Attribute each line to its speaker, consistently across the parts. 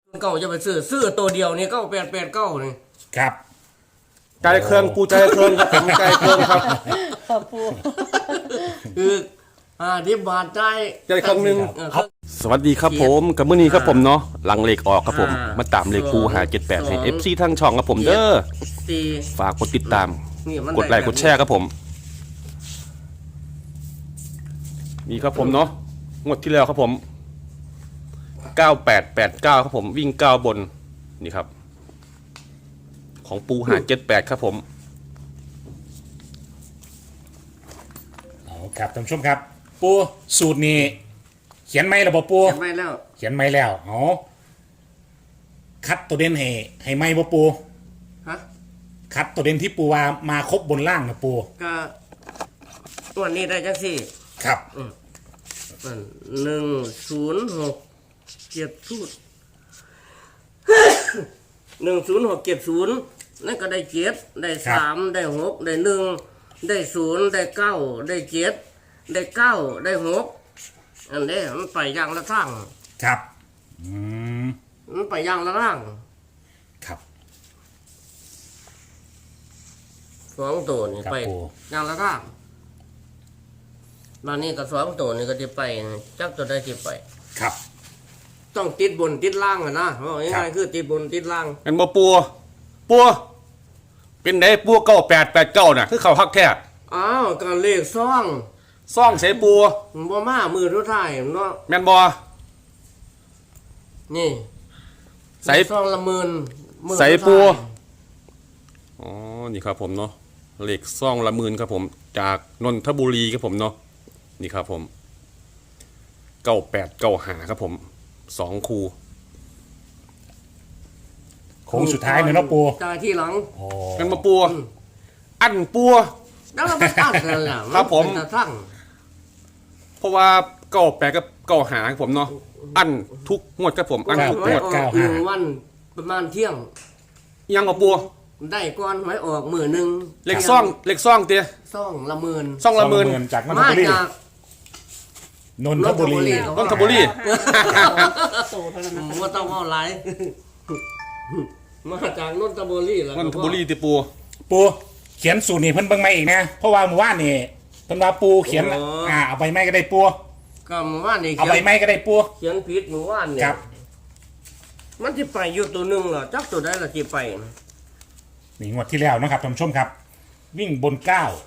Speaker 1: เก้าจะไปซื้อตัวเดียวนี่9889นี่
Speaker 2: ครับใจเครื่องปูใจเครื่องครับผมใจเครื่องครับ
Speaker 3: ครับปู
Speaker 1: คือ10 บาทใจ
Speaker 2: ใจเครื่องนึง
Speaker 1: เออ
Speaker 2: สวัสดีครับผมกับมื้อนี้ครับผมเนาะหลังเลขออกครับผม
Speaker 1: อ่าม
Speaker 2: มาตามเลขปู578ให้ FC ทางช่องครับผมเด้อ
Speaker 1: ตี
Speaker 2: ฝากกดติดตาม
Speaker 1: นี่มัน
Speaker 2: กดไลค์กดแชร์ครับผมนี่ครับผมเนาะงวดที่แล้วครับผม9889ครับผมวิ่ง9บนนี่ครับของปู578ครับผม
Speaker 4: เอาครับท่านผู้ชมครับ ปูสูตรนี้เขียนไหมระบบปู
Speaker 1: เก็บไว้แล้ว
Speaker 4: เขียนไหมแล้วเอาคัดตัวเด่นให้ไหมบ่ปู
Speaker 1: ฮะ
Speaker 4: คัดตัวเด่นที่ปูว่ามาครบบนล่างนะปู
Speaker 1: ก็ตัวนี้ได้จังสี่
Speaker 4: ครับ
Speaker 1: 106 70 10670นั่นก็ได้7ได้3ได้6ได้1ได้0ได้9ได้7ได้9ได้6อันนี้มันไปอย่างละทาง
Speaker 4: ครับอืม
Speaker 1: มันไปอย่างละทาง
Speaker 4: ครับ
Speaker 1: สองตัวนี่
Speaker 4: ครับ
Speaker 1: ไป
Speaker 4: ปู
Speaker 1: อย่างละทางมานี่ก็สองตัวนี่ก็จะไปจักตัวได้ที่ไป
Speaker 4: ครับ
Speaker 1: ต้องติดบนติดล่างอะนะเพราะ
Speaker 4: ครั
Speaker 1: ง่าย
Speaker 4: บ
Speaker 1: ๆคือติดบนติดล่าง
Speaker 2: เป็นบ่ปัวเป็นไดปัว9889น่ะคือเขาฮักแท้
Speaker 1: อ้าวก็เลขซ่อง
Speaker 2: ซ่องใส่ปัว
Speaker 1: บ่มามือทุกท้ายเนาะ
Speaker 2: แม่นบ่
Speaker 1: นี่
Speaker 2: ใส่
Speaker 1: เลขซ่องละหมื่นมือ
Speaker 2: ใส่
Speaker 1: ทุก
Speaker 2: ปัว
Speaker 1: ท้าย
Speaker 2: อ๋อนี่ครับผมเนาะเลขซ่องละหมื่นครับผมจากนนทบุรีครับผมเนาะนี่ครับผม9895ครับผม2คู่
Speaker 4: โค้งสุดท้ายเนยเนาะปู
Speaker 1: จ่ายที่หลัง
Speaker 4: โอ้
Speaker 2: เป็นบ่ปัวอันปัว
Speaker 1: แล้วเราไปตั้งกันล่ะ
Speaker 2: ครับผม
Speaker 1: นเป็นตาทั้ง
Speaker 2: เพราะว่า98กับ95ครับผมเนาะอันทุกงวดครับผมอันทุกง
Speaker 1: หวยว
Speaker 2: ด
Speaker 1: ออกหนึ่งวันประมาณเที่ยง
Speaker 2: ยังบ่ปัว
Speaker 1: ได้ก่อนหวยออกมือหนึ่ง
Speaker 2: เลขซ่องเตี้ย
Speaker 1: ซ่องละหมื่น
Speaker 2: ซ่องละหมื่น
Speaker 4: จากนนท
Speaker 1: มา
Speaker 4: บุรี
Speaker 1: จาก
Speaker 4: นนทบุรี
Speaker 2: นนทบุรี
Speaker 3: โตเท่านั้นนะ
Speaker 1: ว่าต้องเอาหลาย มาจากนนทบุรีแล้ว
Speaker 2: นนทบุรีติปัว
Speaker 4: ปูเขียนสูตรนี่เพิ่นเบิ่งมาอีกนะเพราะว่าเมื่อวานนี่เพิ่นว่าปูเขียนเอาใบไม้ก็ได้ปู
Speaker 1: ก็หมู่บ้านนี่
Speaker 4: เอาใบไม้ก็ได้ปู
Speaker 1: เขียนผิดหมู่บ้านเนี่
Speaker 4: ค
Speaker 1: ย
Speaker 4: รับ
Speaker 1: มันจะไปอยู่ตัวหนึ่งเหรอจักตัวได้ละที่ไป
Speaker 4: นี่งวดที่แล้วนะครับท่านผู้ชมครับ วิ่งบน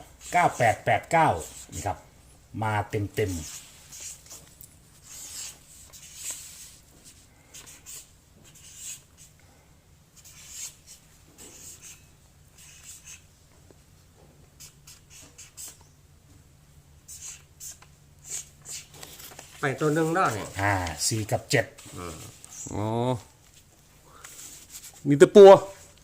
Speaker 4: 9889นี่ครับ มาเต็ม
Speaker 1: ไปตัวหนึ่งได้เนี่ย
Speaker 4: 4 กับ 7
Speaker 2: อ๋อมีแต่ปัว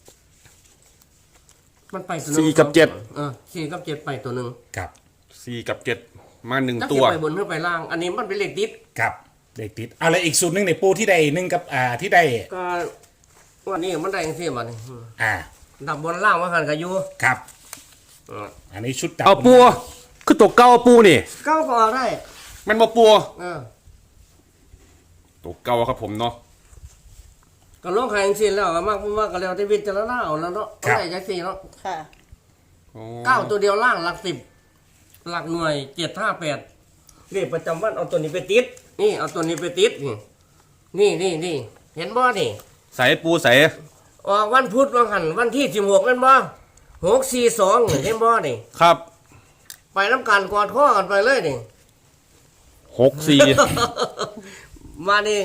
Speaker 1: มันไปตัวหนึ่ง
Speaker 2: 4 กับ 7
Speaker 1: 4 กับ 7ไปตัวหนึ่ง
Speaker 4: ครับ
Speaker 2: 4 กับ 7 มา
Speaker 1: จัก
Speaker 2: 1 ตั
Speaker 1: ที่
Speaker 2: ว
Speaker 1: ไปบนหรือไปล่าง อันนี้มันเป็นเลขติด
Speaker 4: ครับเลขติดเอาเลยอีกสูตรหนึงในปูที่ได้หนึ่งกับที่ได้
Speaker 1: ก็วันนี้มันได้ยังเสียมัน
Speaker 4: อ่า
Speaker 1: ดับบนล่างว่าหันกับยู
Speaker 4: ครับ อันนี้ชุดดับ
Speaker 2: เอาปัวคือตัวเก่าปูนี่
Speaker 1: เก้าก็ออกได้
Speaker 2: มันบ่ปัว
Speaker 1: เออ
Speaker 2: ตัวเก่าครับผมเนาะ
Speaker 1: ก็ลงแข่งสิแล้วก็มากก็แล้วแต่วิจารณาเอาแล้วเนาะเอาได้จักสี่เนาะ
Speaker 3: ค่ะ
Speaker 2: อ๋อ
Speaker 1: เก้าตัวเดียวล่างหลัก10หลักหน่วย758เลขประจำวันเอาตัวนี้ไปติดนี่เอาตัวนี้ไปติดนี่เห็นบ่นี่
Speaker 2: ใส่ปูใส่
Speaker 1: ออกวันพุธวันหันวันที่16แม่นบ่642เห็นบ่นี่
Speaker 2: ครับ
Speaker 1: ไปน้ำกันกอดข้อกันไปเลยนี่
Speaker 2: 64
Speaker 1: มานี่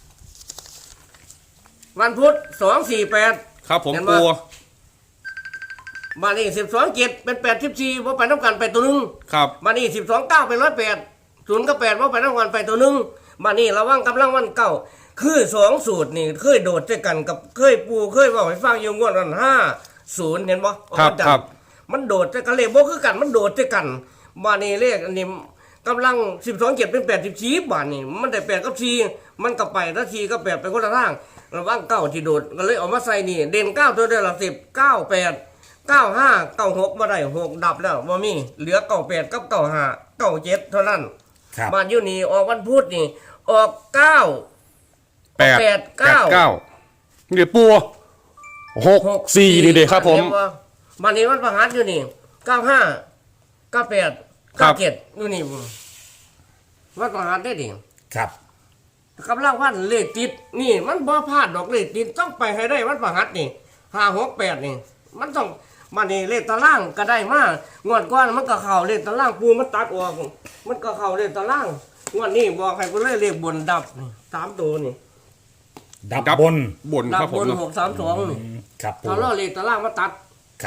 Speaker 1: วันพุธ248
Speaker 2: ครับผม
Speaker 1: เห็นบ่
Speaker 2: ปัว
Speaker 1: มานี่12 7เป็น84บ่ไปน้ำกันไปตัวหนึง
Speaker 2: ครับ
Speaker 1: มานี่12 9เป็น108 0กับ8บ่ไปน้ำกันไปตัวหนึงมานี่ระวังกำลังวันเก่าคือ2สูตรนี่เคยโดดด้วยกันกับเคยปูเคยเว้าให้ฟังอยู่งวดนั้น50เห็นบ่
Speaker 2: ครับ
Speaker 1: เอาจัง
Speaker 2: ครับ
Speaker 1: มันโดดด้วยกันเลขบ่คือกันมันโดดด้วยกันมานี่เลขอันนี้กำลัง12 7เป็น84บาทนี่มันได้8กับ4มันก็ไปแล้ว4กับ8ไปคนละทางระวังเก้าที่โดดก็เลยเอามาใส่นี่เด่น9ตัวเดียวละ10 98 95 96บ่ได้6ดับแล้วบ่มีเหลือ98กับ95 97เท่านั้น
Speaker 4: ครับ
Speaker 1: บ้านอยู่นี่ออกวันพุธนี่ออก9
Speaker 2: แปด
Speaker 1: แปดเก้า
Speaker 2: นี่เดี๋ยวปู6 4นี่เด็ครับผม
Speaker 1: วันนี้มันประหัสอยู่นี่95 98 97อยู่นี่มันประหัสได้ดิ
Speaker 4: ครับ
Speaker 1: กำลังวันเลขติดนี่มันบ่พลาดดอกเลขติดต้องไปให้ได้มันประหัสนี่568นี่มันต้องมานี่เลขตารางก็ได้มางวดก่อนมันก็เข้าเลขตารางปูมันตัดออกมันก็เข้าเลขตารางงวดนี้บอกให้ไปเลยเลขบนดับนี่3ตัวนี่
Speaker 4: ดับบน
Speaker 2: บน
Speaker 1: ดั
Speaker 2: ครับ
Speaker 1: บ
Speaker 2: ผม
Speaker 1: บน
Speaker 2: เนาะ
Speaker 1: 632นี่
Speaker 4: ครับปู
Speaker 1: ถ้าเราเลขตารางมาตัด
Speaker 4: ครับ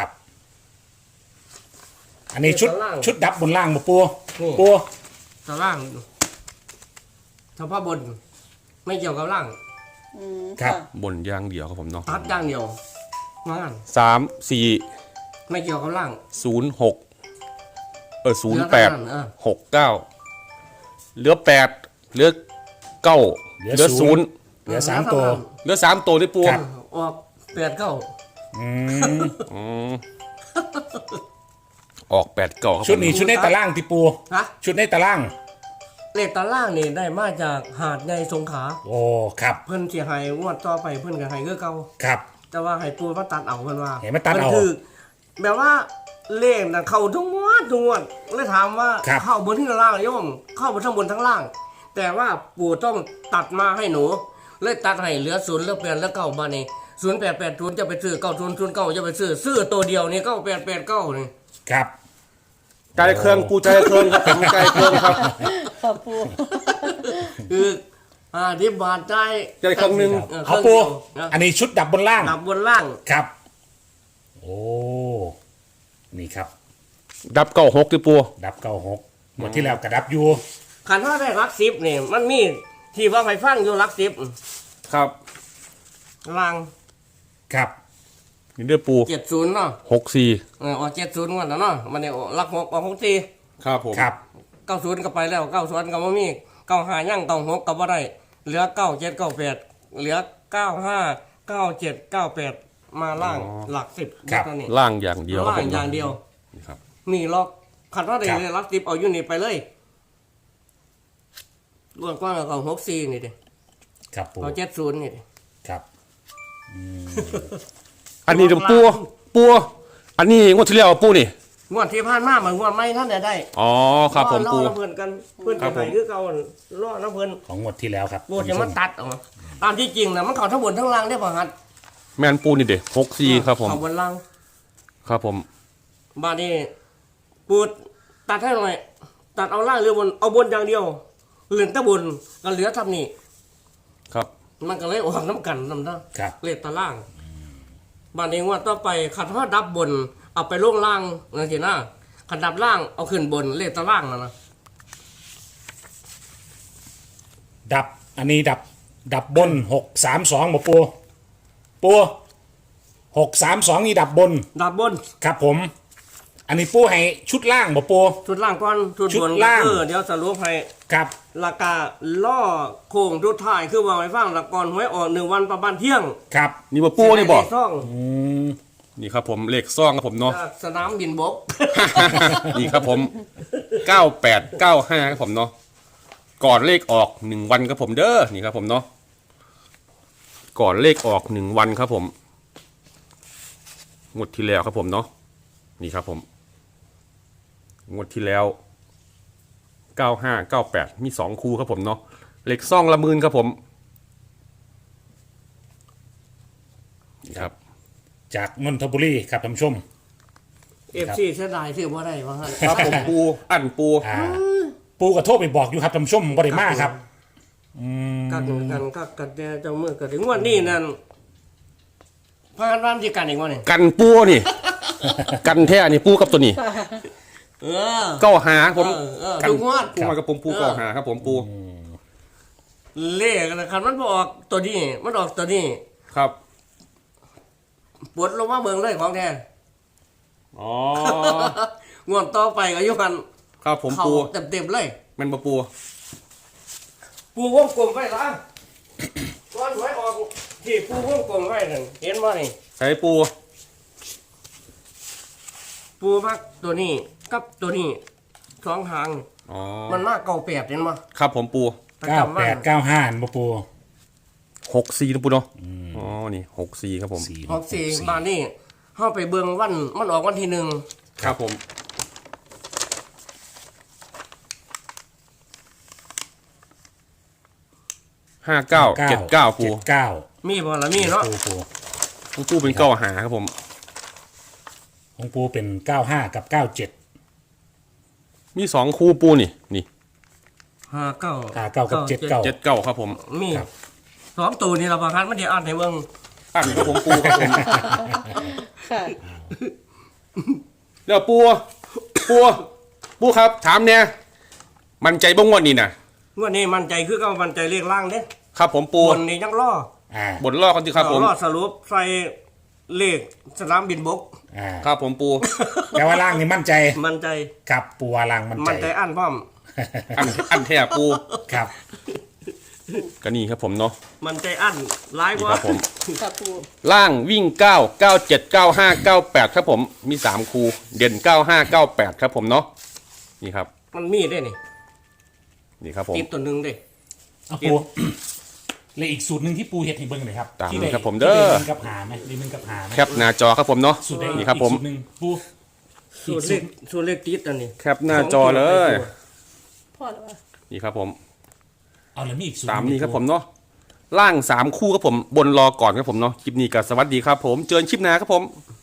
Speaker 4: อันนี้ชุด
Speaker 1: เลขตาราง
Speaker 4: ชุดดับบนล่างบ่ปู
Speaker 1: นี่
Speaker 4: ปู
Speaker 1: ตารางเฉพาะบนไม่เกี่ยวกับล่าง
Speaker 3: อืม
Speaker 4: ครับ
Speaker 3: ะ
Speaker 2: บนอย่างเดียวครับผมเนาะ
Speaker 1: ตัดอย่างเดียวงาน
Speaker 2: 3 4
Speaker 1: ไม่เกี่ยวกับล่าง
Speaker 2: 0 6 0
Speaker 1: เหลือเท่านั้น
Speaker 2: 8 6 9เหลือ8เหลือ9เหลือ0
Speaker 4: เหลือ3ตัว
Speaker 2: เหลือ3ตัวที่ปู
Speaker 4: ครับ
Speaker 1: ออก8 9
Speaker 4: อืม
Speaker 2: อืมออก8 9ครับ
Speaker 4: ชุด
Speaker 2: ผม
Speaker 4: นี้ชุดในตารางที่ปู
Speaker 1: ฮะ
Speaker 4: ชุดในตาราง
Speaker 1: เลขตารางนี่ได้มาจากหาดใหญ่สงขลา
Speaker 4: โอ้ครับ
Speaker 1: เพิ่นสิให้งวดต่อไปเพิ่นก็ให้คือเก่า
Speaker 4: ครับ
Speaker 1: แต่ว่าให้ปูมาตัดเอาเพิ่นว่า
Speaker 4: ให้มาตัดเอา
Speaker 1: นคือแบบว่าเลขน่ะเข้าทุกงวดทุกงวดเลยถามว่า
Speaker 4: ครับ
Speaker 1: เข้าบนที่ล่างโยมเข้าบนทั้งบนทั้งล่าง แต่ว่าปู่ต้องตัดมาให้หนูเลยตัดให้เหลือ0เหลือ8เหลือ9มานี่0880จะไปซื้อ9009จะไปซื้อตัวเดียวนี่9889นี่
Speaker 4: ครับ
Speaker 2: ใจเครื่องปูใจเครื่องครับผมใจเครื่องครับ
Speaker 3: ค่ะปู
Speaker 1: คือ10 บาทได้
Speaker 2: ใจเครื่องหนึง
Speaker 4: เอาปู อันนี้ชุดดับบนล่าง
Speaker 1: ดับบนล่าง
Speaker 4: ครับ โอ้นี่ครับ
Speaker 2: ดับ96ที่ปู
Speaker 4: ดับ96หมดที่แล้วกระดับอยู่
Speaker 1: ขันว่าได้รักสิบนี่มันมีที่ว่าไฟฟังอยู่รักสิบ
Speaker 2: ครับ
Speaker 1: ล่าง
Speaker 4: ครับ
Speaker 2: นี่เด้อปู
Speaker 1: 70เนาะ
Speaker 2: 64
Speaker 1: ออก70งวดแล้วเนาะมันนี่รัก6ออก64
Speaker 2: ครับผม
Speaker 4: ครับ
Speaker 1: 90ก็ไปแล้ว90ก็บ่มี95ยัง96ก็บ่ได้เหลือ97 98เหลือ95 97 98มาล่างหลัก10
Speaker 4: ครับ
Speaker 1: เท่านี้
Speaker 2: ล่างอย่างเดียวครับ
Speaker 1: ล่า
Speaker 2: ผ
Speaker 1: ง
Speaker 2: ม
Speaker 1: อย่างเดียว
Speaker 2: นี่ครับ
Speaker 1: นี่ล็อกขันว่าได้
Speaker 4: ครับ
Speaker 1: รักสิบเอาอยู่นี่ไปเลยรวมกว้างกับ64นี่ดิ
Speaker 4: ครับปู
Speaker 1: เอา70นี่ดิ
Speaker 4: ครับ
Speaker 2: อันนี้เดี๋ยวปูอันนี้งวดที่แล้วปูนี่
Speaker 1: งวดที่ผ่านมาเหมือนงวดไม่ท่านได้
Speaker 2: อ๋อครับผมปู
Speaker 1: ล่อน้ำเพื่อนกันเพื่อน
Speaker 2: ครั
Speaker 1: จะ
Speaker 2: บ
Speaker 1: ไป
Speaker 2: ผม
Speaker 1: คือเก่าล่อน้ำเพื่อน
Speaker 4: ของงวดที่แล้วครับ
Speaker 1: โบจะมาตัดออกมาตามที่จริงนะมันเข่าทั้งบนทั้งล่างได้ป่ะฮัท
Speaker 2: แมนปูนี่เด็ก64ครับผม
Speaker 1: เข่าบนล่าง
Speaker 2: ครับผม
Speaker 1: บาดนี้ปูตัดให้หน่อยตัดเอาล่างหรือบนเอาบนอย่างเดียวเหลือแต่บนก็เหลือทำนี่
Speaker 2: ครับ
Speaker 1: มันก็เลยออกน้ำกันน้ำหน้า
Speaker 4: ครับ
Speaker 1: เลขตาล่างบาดนี้ว่าต่อไปขัดว่าดับบนเอาไปลงล่างนั่นสินะขัดดับล่างเอาขึ้นบนเลขตาล่างนะ
Speaker 4: ดับ อันนี้ดับบน632บ่ปู632นี่ดับบน
Speaker 1: ดับบน
Speaker 4: ครับผม อันนี้ปูให้ชุดล่างบ่ปู
Speaker 1: ชุดล่างก่อนชุด
Speaker 4: ชุ
Speaker 1: บ
Speaker 4: ด
Speaker 1: น
Speaker 4: ล่าง
Speaker 1: เดี๋ยวสรุปให้
Speaker 4: ครับ
Speaker 1: ราคาล่อโค้งทุดท้ายคือว่าไว้ฟังละก่อนหวยออก1 วันประมาณเที่ยง
Speaker 4: ครับ
Speaker 2: นี่บ่ปูนี่บอก
Speaker 1: ซ่อง
Speaker 2: นี่ครับผมเลขซ่องครับผมเนาะ
Speaker 1: จากสนามบินบก
Speaker 2: นี่ครับผม9895ครับผมเนาะก่อนเลขออก1วันครับผมเด้อนี่ครับผมเนาะก่อนเลขออก1วันครับผมงวดที่แล้วครับผมเนาะนี่ครับผมงวดที่แล้ว9598มี2คู่ครับผมเนาะเลขซ่องละหมื่นครับผมนี่ครับ
Speaker 4: จากนนทบุรีครับท่านผู้ชม
Speaker 1: FC เสียดายที่บ่ได้ว่าหั่น
Speaker 2: ครับผมปูอันปู
Speaker 4: ปูก็โทรไปบอกอยู่ครับท่านผู้ชมบ่ได้มาครับ
Speaker 1: กักันแต่เจ้ามือก็ถึงวันนี้นั่นพากันวันที่กันอีกวันนี่
Speaker 2: กันปูนี่ กันแท้นี่ปูกับตัวนี้
Speaker 1: เออ
Speaker 2: เก้าหาผม
Speaker 1: ทุกงวด
Speaker 2: ปูมากับผมปูเก้าหาครับผมปู
Speaker 1: เลขนะคันมันบ่ออกตัวนี้มันออกตัวนี้
Speaker 2: ครับ
Speaker 1: ปวดลงมาเบิ่งเลยของแท้
Speaker 2: อ๋อ
Speaker 1: งวดต่อไปก็อยู่กัน
Speaker 2: ครับผม
Speaker 1: เข้า
Speaker 2: ปู
Speaker 1: เต็มๆเลย
Speaker 2: แมันมาปู
Speaker 1: ปูวงกลมไว้ละก้อนหวยออกที่ปูวงกลมไว้นั่นเห็นบ่นี่
Speaker 2: ใช้ปู
Speaker 1: ปูมักตัวนี้กับตัวนี้สองหาง
Speaker 2: อ๋อ
Speaker 1: มันมากเก่าแปดเห็นบ่
Speaker 2: ครับผมปู
Speaker 1: ประจำว่า
Speaker 4: 9895บ่ปู
Speaker 2: 64นะปูเนาะอ๋อนี่64ครับผม
Speaker 1: ออกสี่บ้านนี่เฮาไปเบิ่งวันมันออกวันที่หนึ่ง
Speaker 2: ครับผม59 79ปู
Speaker 4: 79
Speaker 1: มีบ่ล่ะมีเนาะ
Speaker 4: ปู
Speaker 2: ของปูเป็นเก้าหาครับผม
Speaker 4: ของปูเป็น95กับ97
Speaker 2: มี2คู่ปูนี่
Speaker 1: 59
Speaker 4: 59กับ79
Speaker 2: 79ครับผม
Speaker 1: มี
Speaker 4: ครับ
Speaker 1: สองตัวนี่ล่ะบ่คันมันสิอ่านให้เบิ่ง
Speaker 2: อันครับผมปูครับผม
Speaker 3: ค่ะ
Speaker 2: เดี๋ยวปูครับถามเนี่ยมันใจบ้งวันนี้นะ
Speaker 1: งวดนี้มั่นใจคือก็มั่นใจเลขล่างเด้
Speaker 2: ครับผมปู
Speaker 1: บนนี่ยังรอ
Speaker 2: บทล่อกันสิครับผม
Speaker 1: รอสรุปใส่เลขสนามบินบก
Speaker 2: ครับผมปู
Speaker 4: แต่ว่าล่างนี่มั่นใจ
Speaker 1: มั่นใจ
Speaker 4: ครับปูว่าล่างมั่น
Speaker 1: มั่น
Speaker 4: ใจ
Speaker 1: ใจอันพร้อม
Speaker 2: อันแท้ปู
Speaker 4: ครับ
Speaker 2: ก็นี่ครับผมเนาะ
Speaker 1: มั่นใจอันหลายก
Speaker 2: นี่
Speaker 1: ว่า
Speaker 2: ครับผม
Speaker 3: ค่ะปู
Speaker 2: ล่างวิ่ง9 97 95 98ครับผมมี3คูเด่น95 98ครับผมเนาะนี่ครับ
Speaker 1: มันมีได้นี่
Speaker 2: นี่ครับผม
Speaker 1: ติดตัวหนึงเด้
Speaker 4: เอาปูเลยอีกสูตรหนึ่งที่ปูเฮ็ดให้เบิ่งหน่อยครับ
Speaker 2: ตาม
Speaker 4: ที่
Speaker 2: นี้
Speaker 4: ได้
Speaker 2: ครับผมเด้อ
Speaker 4: ที่ได้1กับหาไหมได้1กับหาไหม
Speaker 2: แคปหน้าจอครับผมเนาะ
Speaker 4: สูตรได้
Speaker 2: นี่ครับผม
Speaker 4: อีกสูตรหนึ่งปู
Speaker 1: ส่วนเลขติดอันนี้
Speaker 2: แคปหน้าจอเลย
Speaker 3: พ่อหรือว่า
Speaker 2: นี่ครับผม
Speaker 4: เอาแล้วมีอีกสูตร
Speaker 2: ตามนี้ครับผมเนาะล่าง3คู่ครับผมบนรอก่อนครับผมเนาะคลิปนี้ก็สวัสดีครับผมเจอกันคลิปหน้าครับผม